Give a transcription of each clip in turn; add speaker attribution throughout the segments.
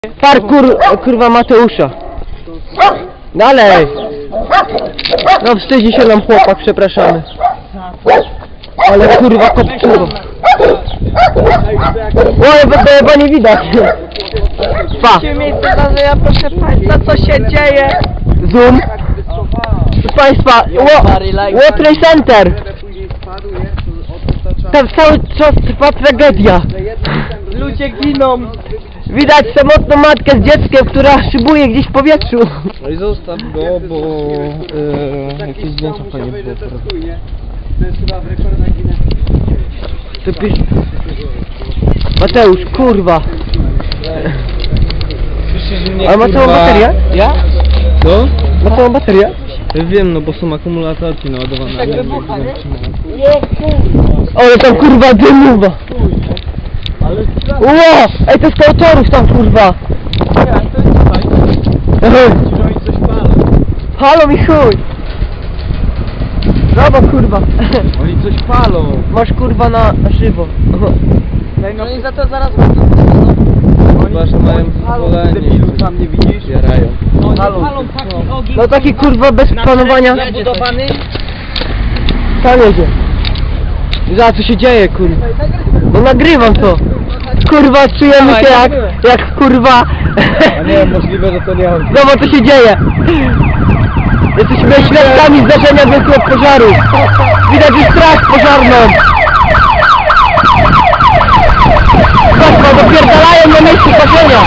Speaker 1: Parkour, kurwa Mateusza. Dalej. No wstydzi się nam chłopak, przepraszamy. Ale kurwa kopczyło. Oj, bo nie widać. Pa.
Speaker 2: Miejsce zdarzenia, proszę Państwa, co się dzieje?
Speaker 1: Zoom. Proszę Państwa, World Trade Center. Tam cały czas trwa tragedia.
Speaker 2: Ludzie giną.
Speaker 1: Widać samotną matkę z dzieckiem, która szybuje gdzieś w powietrzu.
Speaker 3: No i zostaw go, bo jakieś zdjęcia fajnie było.
Speaker 1: To Mateusz, kurwa. Ale ma całą baterię?
Speaker 3: Ja? Co?
Speaker 1: Ma całą baterię?
Speaker 3: Wiem, no bo są akumulatorki naładowane.
Speaker 2: Tak wybucha, nie?
Speaker 1: Ale tam kurwa dymuwa. Ło! Ej, to jest autorów tam kurwa. Halo mi chuj. Brawo kurwa.
Speaker 3: Oni coś palą.
Speaker 1: Masz kurwa na żywo.
Speaker 2: No i za to zaraz
Speaker 3: Chyba, że mają pozwolenie i
Speaker 2: tam nie widzisz?
Speaker 3: zbierają.
Speaker 2: Palą taki ogień.
Speaker 1: No taki kurwa bez planowania.
Speaker 2: Zabudowany.
Speaker 1: Tam jedzie. Za co się dzieje kurwa? No nagrywam to. Kurwa czujemy się jak kurwa.
Speaker 3: A nie, możliwe, że to nie on.
Speaker 1: Zobacz co się dzieje. Jesteśmy świadkami zdarzenia wielkiego pożaru. Widać już straż pożarną. Zobaczmy, dopierdalają na miejscu koszenia.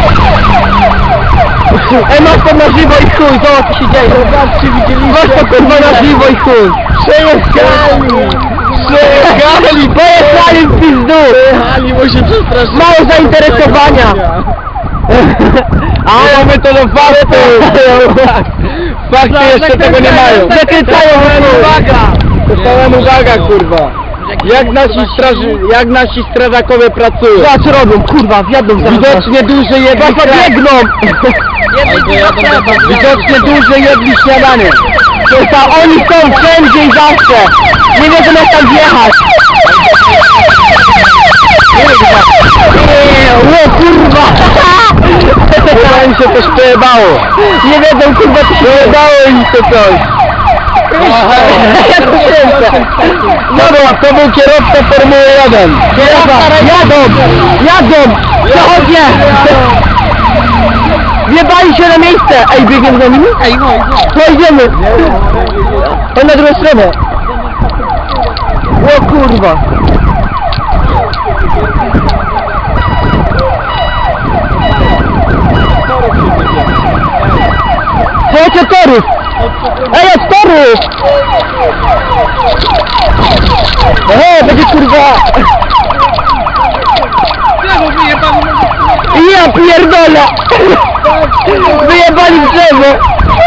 Speaker 1: Ej, masz to na żywo i chuj, zobacz co się dzieje. Zobaczcie, widzieliście? Masz to kurwa na żywo i chuj. Przejechali! Przejechali! Pojechali w pizdu!
Speaker 3: Przejechali, bo się przestraszyli.
Speaker 1: Mało zainteresowania.
Speaker 3: A my to do faktu! Fakty jeszcze tego nie mają.
Speaker 1: Zakręcają
Speaker 3: Uwaga! Dostałem uwaga, kurwa! Jak nasi strażakowie pracują?
Speaker 1: Co robią, kurwa, wjadą za
Speaker 3: Widocznie duże jedli
Speaker 1: biegną!
Speaker 3: Widocznie duże jedli śniadanie.
Speaker 1: Oni są wszędzie i zawsze! Nie wiedzą jak tam wjechać! O kurwa!
Speaker 3: Chyba im się coś przejebało.
Speaker 1: Nie wiedzą kurwa co się
Speaker 3: Przejebało im się coś.
Speaker 1: Ja to kręcę!
Speaker 3: Dobra, to był kierowca Formuły 1.
Speaker 1: Jadą! Przechodnie! Wjebali się na miejsce! Ej, biegiem za nimi?
Speaker 2: Ej, chodź.
Speaker 1: To idziemy! To na drugą stronę! O kurwa! Chodź od torów! Ej, od torów! Będzie kurwa! Ja pierdolę! Wyjebali w drzewo!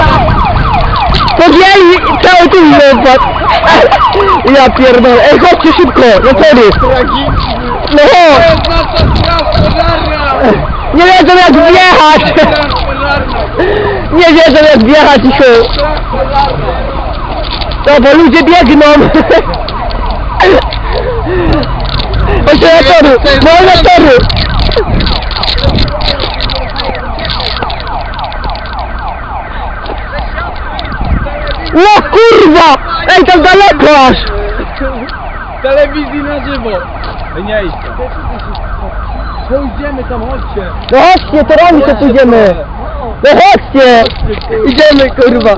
Speaker 1: Podjęli cały tu wypadł! Ja pierdolę! Ej, chodźcie szybko! Na tory! No chodź! Nie wiedzą jak wjechać! Nie wiedzą jak wjechać i chuj! No bo ludzie biegną! Chodźcie na tory! No na tory! O kurwa! Ej, tam daleko aż!
Speaker 3: Telewizji na żywo. Nie idź tam. Pójdziemy tam, chodźcie.
Speaker 1: No chodźcie, torami to pójdziemy! No chodźcie! Idziemy kurwa!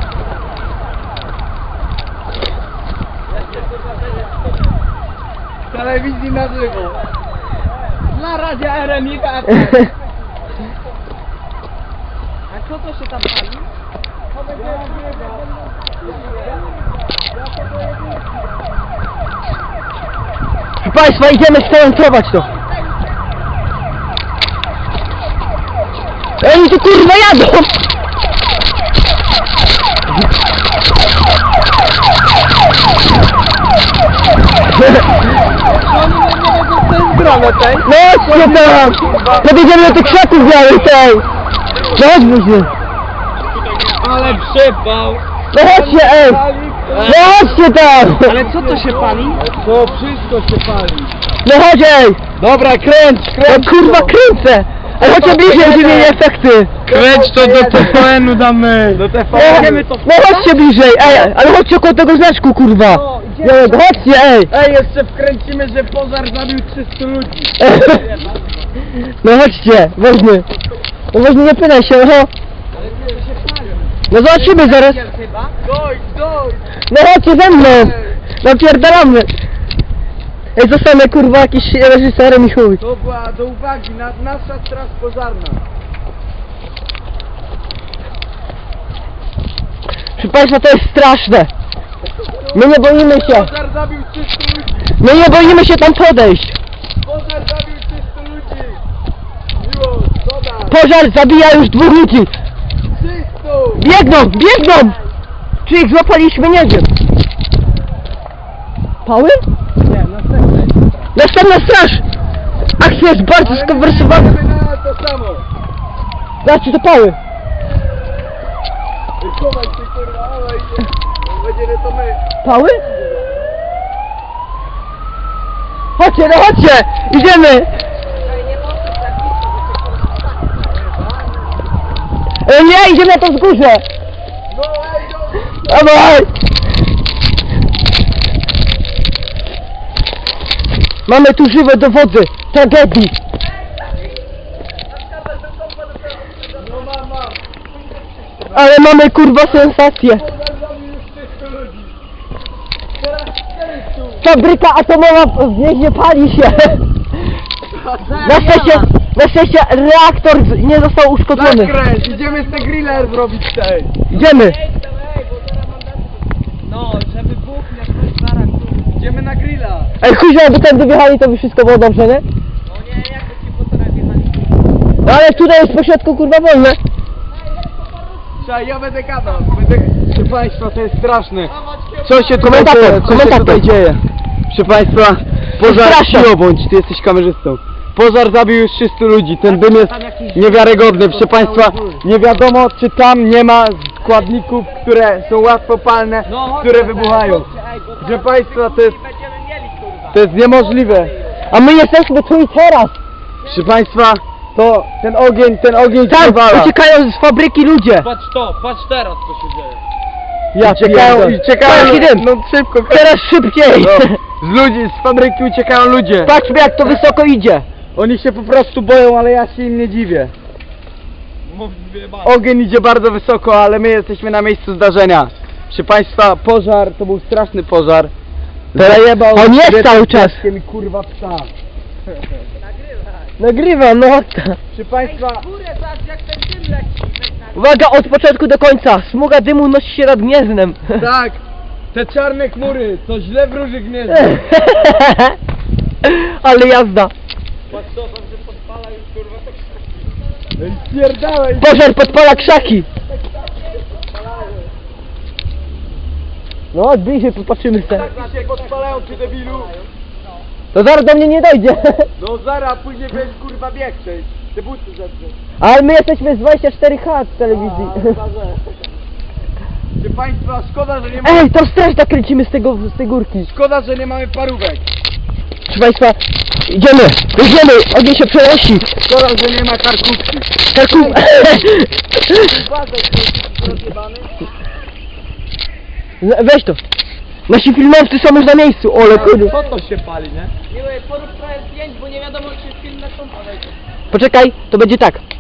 Speaker 3: Telewizji na żywo.
Speaker 2: Dla radia RMI. A co to się tam pali?
Speaker 1: Proszę Państwa, idziemy skontrować to! Oni tu kurwa jadą! No chodźcie tam! Podjedziemy do tych krzaków białych tej! No chodźmy się!
Speaker 3: Ale przypał.
Speaker 1: No chodźcie ej! No chodźcie tam!
Speaker 2: Ale co to się pali?
Speaker 3: To wszystko się pali.
Speaker 1: No chodź ej!
Speaker 3: Dobra, kręć,
Speaker 1: No kurwa kręcę! Ale chodźcie bliżej, wymienię efekty.
Speaker 3: Kręć to do TVN-u damy. Do TVN-u.
Speaker 1: No chodźcie bliżej, ej, ale chodźcie koło tego znaczku, kurwa. Białego, chodźcie, ej.
Speaker 3: Ej, jeszcze wkręcimy, że pożar zabił 300 ludzi.
Speaker 1: No chodźcie, weźmy. No weźmy, nie pynaj się, no. No zobaczymy zaraz.
Speaker 2: Chyba?
Speaker 3: Dojdź.
Speaker 1: No chodźcie ze mną. Napierdalamy. Ej, zostanę kurwa jakiś reżyserem i chuj.
Speaker 3: To była do uwagi, nasza straż pożarna.
Speaker 1: Proszę Państwa, to jest straszne. My nie boimy się.
Speaker 3: Pożar zabił 300 ludzi.
Speaker 1: My nie boimy się tam podejść.
Speaker 3: Pożar zabił 300 ludzi. Miłość, dodaj.
Speaker 1: Pożar zabija już 2 ludzi.
Speaker 3: 300.
Speaker 1: Biegną! Czy ich złapaliśmy? Nie wiem. Pały?
Speaker 3: Nie, następne.
Speaker 1: Następna straż! Akcja jest bardzo skonwersowana.
Speaker 3: Na to samo.
Speaker 1: Znaczy to pały.
Speaker 3: Chowaj się kurwa, ale będzie nie to my.
Speaker 1: Pały? Chodźcie, no chodźcie! Idziemy! Nie, idziemy na to wzgórze!
Speaker 3: No ej, no.
Speaker 1: Dawaj! Mamy tu żywe dowody tragedii.
Speaker 3: No mam.
Speaker 1: Ale mamy kurwa sensację.
Speaker 3: Pożar zabił już 300 ludzi. Teraz 400.
Speaker 1: Fabryka atomowa w Gnieźnie pali się. Na szczęście reaktor nie został uszkodzony.
Speaker 3: Zakręć, idziemy z griller zrobić tej.
Speaker 1: Idziemy.
Speaker 2: No, żeby buchnie, to zaraz tu.
Speaker 3: Idziemy na grilla.
Speaker 1: Ej, chuj, jakby tędy wjechali, to by wszystko było dobrze, nie?
Speaker 2: No nie, jakby ci po torach jechali.
Speaker 1: No ale tutaj jest pośrodku kurwa wolne.
Speaker 3: Słuchaj, ja będę gadał. Proszę Państwa, to jest straszne.
Speaker 1: Co się komentator
Speaker 3: dzieje? Proszę Państwa, pożar
Speaker 1: Straszne.
Speaker 3: cicho bądź, ty jesteś kamerzystą. Pożar zabił już 300 ludzi, ten dym jest niewiarygodny. Proszę Państwa, nie wiadomo czy tam nie ma składników, które są łatwopalne, które wybuchają. Proszę Państwa, to jest,
Speaker 2: Będziemy mieli, kurwa.
Speaker 3: to jest niemożliwe.
Speaker 1: A my jesteśmy tu i teraz.
Speaker 3: Proszę Państwa, to ten ogień
Speaker 1: Tam
Speaker 3: przewala.
Speaker 1: uciekają z fabryki ludzie.
Speaker 2: Patrz teraz co się dzieje.
Speaker 1: Patrz, idę.
Speaker 3: no szybko.
Speaker 1: Teraz szybciej.
Speaker 3: No, z ludzi, z fabryki uciekają ludzie.
Speaker 1: Patrzmy jak to wysoko idzie.
Speaker 3: Oni się po prostu boją, ale ja się im nie dziwię. Ogień idzie bardzo wysoko, ale my jesteśmy na miejscu zdarzenia. Proszę Państwa, pożar, to był straszny pożar. Zajebał
Speaker 1: on jest
Speaker 3: świetnym
Speaker 1: cały czas.
Speaker 3: piaskiem i kurwa psa.
Speaker 1: Nagrywam, no.
Speaker 3: Proszę Państwa,
Speaker 2: Górę, zobacz jak ten dym leci.
Speaker 1: Uwaga, od początku do końca. Smuga dymu nosi się nad Gnieznem.
Speaker 3: tak, te czarne chmury, to źle wróży gniezdo.
Speaker 1: Ale jazda.
Speaker 2: Patrz to, tam się podpala już kurwa tak.
Speaker 3: Ej, spierdalaj.
Speaker 1: Pożar podpala krzaki. No, bliżej popatrzymy se.
Speaker 3: Tak się podpalają, ty debilu.
Speaker 1: To zaraz do mnie nie dojdzie.
Speaker 3: No zaraz, później będziesz kurwa bieg przejść. Te buty zeprzeć.
Speaker 1: Ale my jesteśmy z 24H z telewizji.
Speaker 3: Proszę Państwa, szkoda, że nie ma...
Speaker 1: Ej, to straż nakręcimy z tej górki.
Speaker 3: Szkoda, że nie mamy parówek.
Speaker 1: Proszę Państwa, idziemy, ogień się przenosi.
Speaker 3: Szkoda, że nie ma karkówki.
Speaker 1: Karków. Weź to. Nasi filmowcy są już na miejscu. Ole kurde.
Speaker 3: Co to się pali, nie?
Speaker 2: Miły, porób trochę zdjęć, bo nie wiadomo czy film na tą podejdzie.
Speaker 1: Poczekaj, to będzie tak.